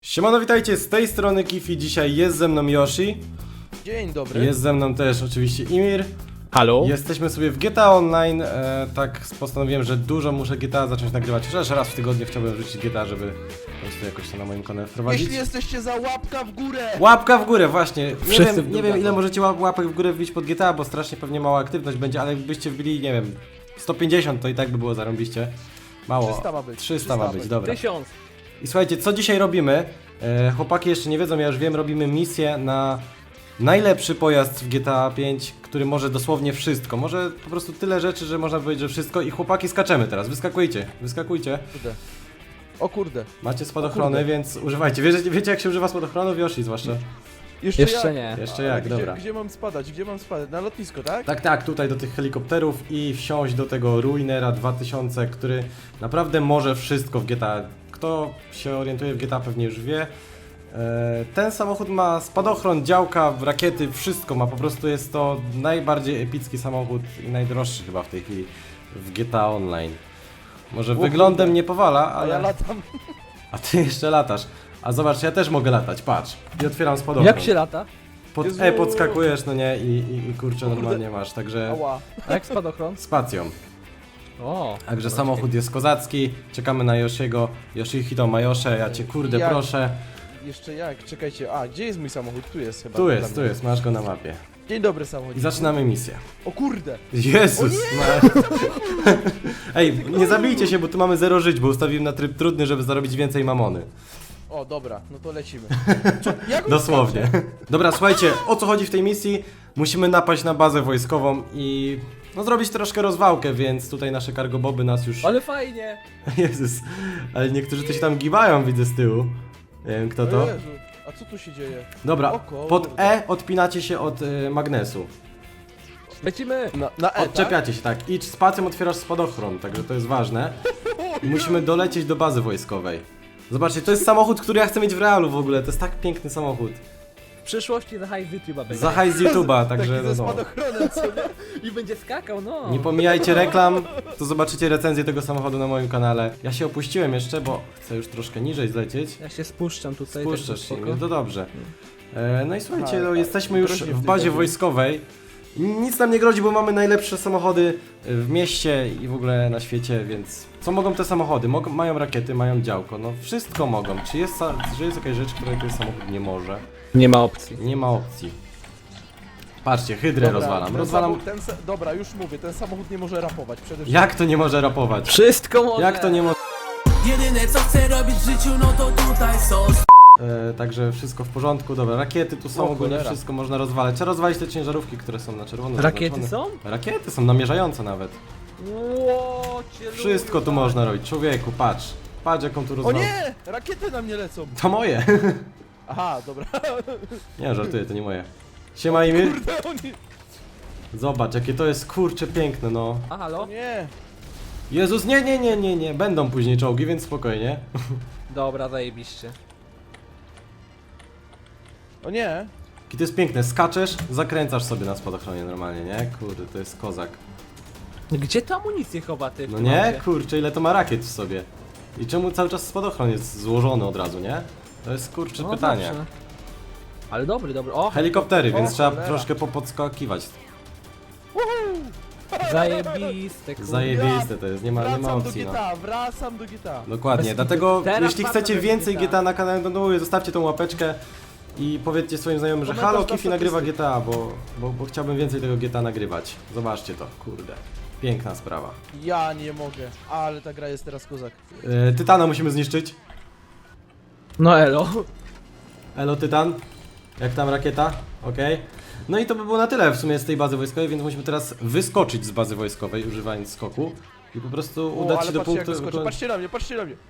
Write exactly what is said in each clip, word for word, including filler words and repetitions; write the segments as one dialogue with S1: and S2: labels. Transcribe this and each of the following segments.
S1: Siemano, witajcie, z tej strony Kifi, dzisiaj jest ze mną Yoshi.
S2: Dzień dobry.
S1: Jest ze mną też oczywiście Imir.
S3: Halo?
S1: Jesteśmy sobie w G T A Online, e, tak postanowiłem, że dużo muszę G T A zacząć nagrywać. Chociaż raz w tygodniu chciałbym wrzucić G T A, żeby po prostu jakoś to na moim kanale wprowadzić.
S2: Jeśli jesteście za łapka w górę!
S1: Łapka w górę, właśnie. Nie
S3: Wszyscy
S1: wiem,
S3: w
S1: nie
S3: dół
S1: wiem ile
S3: taką.
S1: możecie łap łapek w górę wbić pod G T A, bo strasznie pewnie mała aktywność będzie, ale jakbyście wbili, nie wiem, sto pięćdziesiąt to i tak by było zarąbiście. Mało.
S2: trzysta ma być.
S1: trzysta ma być, dobra.
S3: Tysiąc.
S1: I słuchajcie, co dzisiaj robimy? E, chłopaki jeszcze nie wiedzą, ja już wiem, robimy misję na najlepszy pojazd w G T A pięć, który może dosłownie wszystko. Może po prostu tyle rzeczy, że można powiedzieć, że wszystko. I chłopaki skaczemy teraz, wyskakujcie, wyskakujcie.
S2: Kurde. O kurde.
S1: Macie spadochrony,
S2: kurde.
S1: więc używajcie. Wiecie, wiecie jak się używa spadochronów? Yoshi zwłaszcza.
S2: Jeszcze,
S3: Jeszcze
S2: jak?
S3: nie.
S1: Jeszcze
S2: A,
S1: jak,
S2: gdzie,
S1: dobra.
S2: Gdzie mam spadać? Gdzie mam spadać? Na lotnisko, tak?
S1: Tak, tak, tutaj do tych helikopterów i wsiąść do tego Ruinera dwa tysiące, który naprawdę może wszystko w G T A. Kto się orientuje w G T A pewnie już wie. E, Ten samochód ma spadochron, działka, rakiety, wszystko ma. Po prostu jest to najbardziej epicki samochód i najdroższy chyba w tej chwili w G T A Online. Może
S2: O
S1: wyglądem
S2: kurde.
S1: nie powala,
S2: A ja
S1: ale...
S2: latam.
S1: A ty jeszcze latasz. A zobacz, ja też mogę latać, patrz. I otwieram spadochron.
S3: Jak się lata?
S1: Pod
S2: Jezu.
S1: E podskakujesz, no nie, i, i, i kurczę,
S2: Kurde.
S1: normalnie masz, także...
S2: Ała.
S3: A jak spadochron?
S1: Spacją.
S3: O.
S1: Także
S3: dobra,
S1: samochód jest kozacki, czekamy na Yoshiego. Yoshihito Majosze, ja cię kurde
S2: Jak?
S1: proszę.
S2: Jeszcze jak? Czekajcie. A, gdzie jest mój samochód? Tu jest chyba.
S1: Tu
S2: dla
S1: jest, tu
S2: mnie.
S1: jest, masz go na mapie.
S2: Dzień dobry samochód.
S1: I zaczynamy misję.
S2: O kurde.
S1: Jezus!
S2: O nie!
S1: ma- Ej, nie zabijcie się, bo tu mamy zero żyć, bo ustawiłem na tryb trudny, żeby zarobić więcej mamony.
S2: O, dobra, no to lecimy. Co? Jak on
S1: Dosłownie.
S2: skacze?
S1: Dobra, słuchajcie, o co chodzi w tej misji? Musimy napaść na bazę wojskową i... No zrobić troszkę rozwałkę, więc tutaj nasze cargoboby nas już...
S3: Ale fajnie.
S1: Jezus, ale niektórzy to się tam gibają, widzę z tyłu. Nie wiem kto
S2: O
S1: to.
S2: Jezu. A co tu się dzieje?
S1: Dobra,
S2: O kurde.
S1: pod E odpinacie się od y, magnesu.
S3: Lecimy.
S2: Na, na E, tak?
S1: Odczepiacie się, tak. I spacją otwierasz spadochron, także to jest ważne. I musimy dolecieć do bazy wojskowej. Zobaczcie, to jest samochód, który ja chcę mieć w realu w ogóle. To jest tak piękny samochód.
S3: W przyszłości za hajs z YouTube'a będzie.
S1: Za hajs z YouTube'a, także
S2: Taki
S1: no,
S2: ze
S1: no.
S2: spadochronem, co nie?
S3: I będzie skakał, no.
S1: Nie pomijajcie reklam, to zobaczycie recenzję tego samochodu na moim kanale. Ja się opuściłem jeszcze, bo chcę już troszkę niżej zlecieć.
S3: Ja się spuszczam tutaj.
S1: Spuszczasz
S3: tak
S1: się,
S3: spoko.
S1: no to dobrze. E, no i słuchajcie,
S2: Aha,
S1: no, jesteśmy już
S2: groźnie w
S1: w
S2: tej
S1: bazie
S2: bazie.
S1: wojskowej. Nic nam nie grozi, bo mamy najlepsze samochody w mieście i w ogóle na świecie, więc co mogą te samochody? Mogą, mają rakiety, mają działko, no wszystko mogą. Czy jest, sa- czy jest jakaś rzecz, której ten samochód nie może?
S3: Nie ma opcji.
S1: Nie ma opcji. Patrzcie, hydrę
S2: Dobra,
S1: rozwalam.
S2: ten
S1: Rozwalam.
S2: samochód- ten sa- dobra, już mówię, ten samochód nie może rapować przede wszystkim.
S1: Jak to nie może rapować?
S3: Wszystko może.
S1: Jak to nie może?
S4: Jedyne co chcę robić w życiu, no to tutaj są.
S1: E, także wszystko w porządku, dobra, rakiety tu są,
S2: O,
S1: ogólnie
S2: cholera.
S1: wszystko można rozwalać. Trzeba rozwalić te ciężarówki, które są na czerwono.
S3: Rakiety
S1: zaznaczone.
S3: są?
S1: Rakiety są namierzające nawet.
S3: Ło, cię
S1: Wszystko
S3: lubię,
S1: tu
S3: panie.
S1: można robić. Człowieku, patrz. Patrz jaką tu
S2: O
S1: rozwalę.
S2: nie! Rakiety na mnie lecą!
S1: To moje.
S2: Aha, dobra.
S1: Nie, żartuję, to nie moje. Siema Imir.
S2: Kurde, oni...
S1: Zobacz, jakie to jest kurcze piękne, no.
S3: A
S2: O
S3: halo?
S2: nie!
S1: Jezus, nie, nie, nie, nie, nie. Będą później czołgi, więc spokojnie.
S3: Dobra, zajebiście.
S2: O nie!
S1: Jakie to jest piękne. Skaczesz, zakręcasz sobie na spadochronie normalnie, nie? Kurde, to jest kozak.
S3: Gdzie to amunicję chowa ty? w
S1: No
S3: tym
S1: nie?
S3: aucie?
S1: Kurczę, ile to ma rakiet w sobie. I czemu cały czas spadochron jest złożony od razu, nie? To jest kurcze
S3: No
S1: pytanie.
S3: dobrze. Ale dobry, dobry. O,
S1: Helikoptery,
S2: O,
S1: więc trzeba
S2: cholera.
S1: troszkę popodskakiwać.
S3: zajebiste, kurde.
S1: Zajebiste to jest, nie ma, nie ma
S2: Wracam do
S1: opcji,
S2: G
S1: no.
S2: T A, wracam do G T A.
S1: Dokładnie,
S3: Bez
S1: dlatego
S3: kitu. Teraz
S1: jeśli
S3: wracam
S1: chcecie
S3: do
S1: więcej
S3: G T A.
S1: G T A na kanale, to no, zostawcie tą łapeczkę i powiedzcie swoim znajomym, że
S2: Komentarz
S1: halo,
S2: na
S1: Kifi nagrywa
S2: statystyki.
S1: G T A, bo, bo, bo chciałbym więcej tego G T A nagrywać. Zobaczcie to, kurde. Piękna sprawa.
S2: Ja nie mogę, ale ta gra jest teraz kozak.
S1: E, Tytana musimy zniszczyć.
S3: No elo.
S1: Elo Tytan. Jak tam rakieta? Okej. No i to by było na tyle w sumie z tej bazy wojskowej, więc musimy teraz wyskoczyć z bazy wojskowej, używając skoku. I po prostu
S2: O,
S1: udać
S2: ale
S1: się do
S2: patrzcie, jak
S1: punktu...
S2: wyskoczę. Patrzcie na mnie, patrzcie na mnie!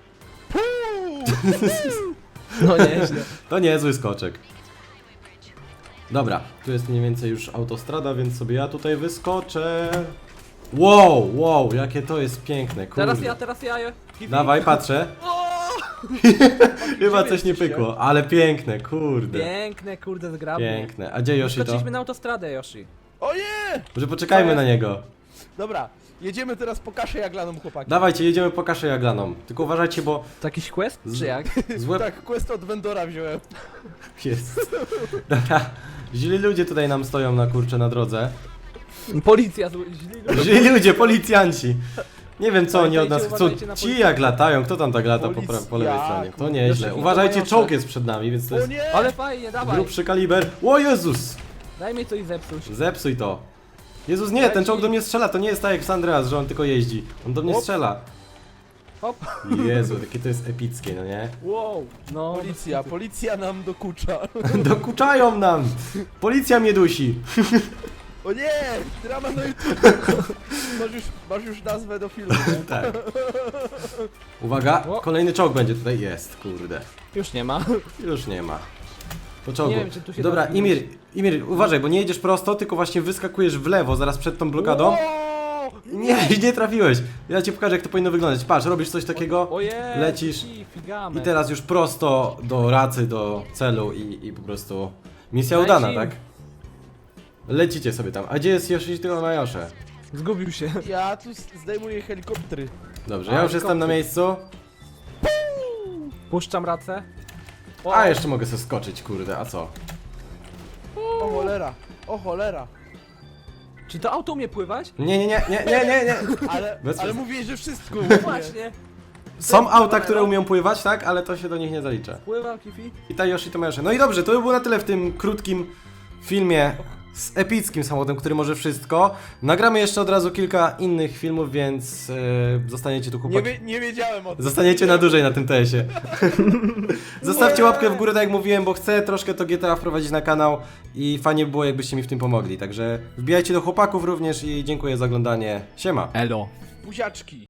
S3: No nieźle.
S1: To niezły skoczek. Dobra, tu jest mniej więcej już autostrada, więc sobie ja tutaj wyskoczę. Wow, wow, jakie to jest piękne, kurde.
S3: Teraz ja, teraz ja. Kiwi.
S1: Dawaj, patrzę. Chyba coś nie pykło, ale piękne, kurde.
S3: Piękne, kurde, zgrabnie.
S1: Piękne. A gdzie Yoshi to?
S3: Skoczyliśmy na autostradę, Yoshi.
S2: O nie!
S1: Może poczekajmy
S2: Co
S1: na
S2: jest?
S1: niego.
S2: Dobra, Jedziemy teraz po kaszę jaglaną, chłopaki.
S1: Dawajcie, jedziemy po kaszę jaglaną. Tylko uważajcie, bo
S3: To jakiś quest?
S1: Z-
S3: Czy jak?
S1: złe...
S2: Tak, quest od vendora wziąłem.
S1: Jest. Dobra, źli ludzie tutaj nam stoją na kurcze na drodze.
S3: Policja, zły- źli ludzie.
S1: Źli ludzie, policjanci. Nie wiem co oni od nas
S3: Pamiętajcie,
S1: chcą.
S3: uważajcie na
S1: Ci
S3: policjantów.
S1: jak latają, kto tam tak lata po, pra- po lewej
S2: Policja,
S1: stronie? To
S2: kurde.
S1: nieźle.
S3: Jeszcze
S1: Uważajcie,
S3: chwilę
S1: czołg
S3: mają
S1: jest przed nami, więc to
S2: O
S1: jest
S2: nie!
S3: Ale fajnie, dawaj.
S1: grubszy kaliber. O Jezus!
S3: Daj mi coś zepsuć.
S1: Zepsuj to. Jezus, nie, ten czołg do mnie strzela, to nie jest tak jak w San Andreas, że on tylko jeździ. On do mnie
S2: Hop.
S1: strzela.
S3: Hop.
S1: Jezu, jakie to jest epickie, no nie?
S3: Wow. No.
S2: Policja, policja nam dokucza.
S1: Dokuczają nam! Policja mnie dusi.
S2: O nie! Drama na YouTube. Masz już, masz już nazwę do filmu, nie?
S1: Tak. Uwaga,
S3: O.
S1: kolejny czołg będzie tutaj. Jest, kurde.
S3: Już nie ma.
S1: Już nie ma. Po czołgu.
S3: Nie wiem, czy tu się
S1: Dobra,
S3: da
S1: Imir, Imir, uważaj, bo nie jedziesz prosto, tylko właśnie wyskakujesz w lewo, zaraz przed tą blokadą.
S2: Wow!
S1: Nie, nie trafiłeś. Ja ci pokażę, jak to powinno wyglądać. Patrz, robisz coś takiego
S3: Ojej.
S1: lecisz
S3: Figamy.
S1: i teraz już prosto do racy, do celu i, i po prostu misja
S3: Daj
S1: udana,
S3: im.
S1: tak? Lecicie sobie tam. A gdzie jest Yoshihiro Majosze?
S3: Zgubił się.
S2: Ja tu zdejmuję helikoptery.
S1: Dobrze,
S3: A,
S1: ja już jestem na
S3: kopty.
S1: miejscu.
S3: Puszczam racę. O,
S1: A, jeszcze mogę sobie skoczyć, kurde, a co?
S2: O cholera, o cholera.
S3: Czy to auto umie pływać?
S1: Nie, nie, nie, nie, nie, nie, nie.
S2: Ale,
S1: Bez
S2: ale
S1: przes-
S2: mówiłeś, że wszystko
S3: No
S2: umie.
S3: właśnie.
S1: Są auta, które umieją pływać, tak? Ale to się do nich nie zalicza.
S3: Pływa, Kifi.
S1: I ta Yoshi to Majosze. No i dobrze, to by było na tyle w tym krótkim filmie z epickim samochodem, który może wszystko. Nagramy jeszcze od razu kilka innych filmów, więc yy, zostaniecie tu
S2: Nie,
S1: chłopaki.
S2: wie, nie wiedziałem o tym.
S1: Zostaniecie na dłużej na tym tesie. Zostawcie łapkę w górę, tak jak mówiłem, bo chcę troszkę to G T A wprowadzić na kanał i fajnie by było, jakbyście mi w tym pomogli. Także wbijajcie do chłopaków również i dziękuję za oglądanie. Siema!
S3: Elo.
S2: Buziaczki.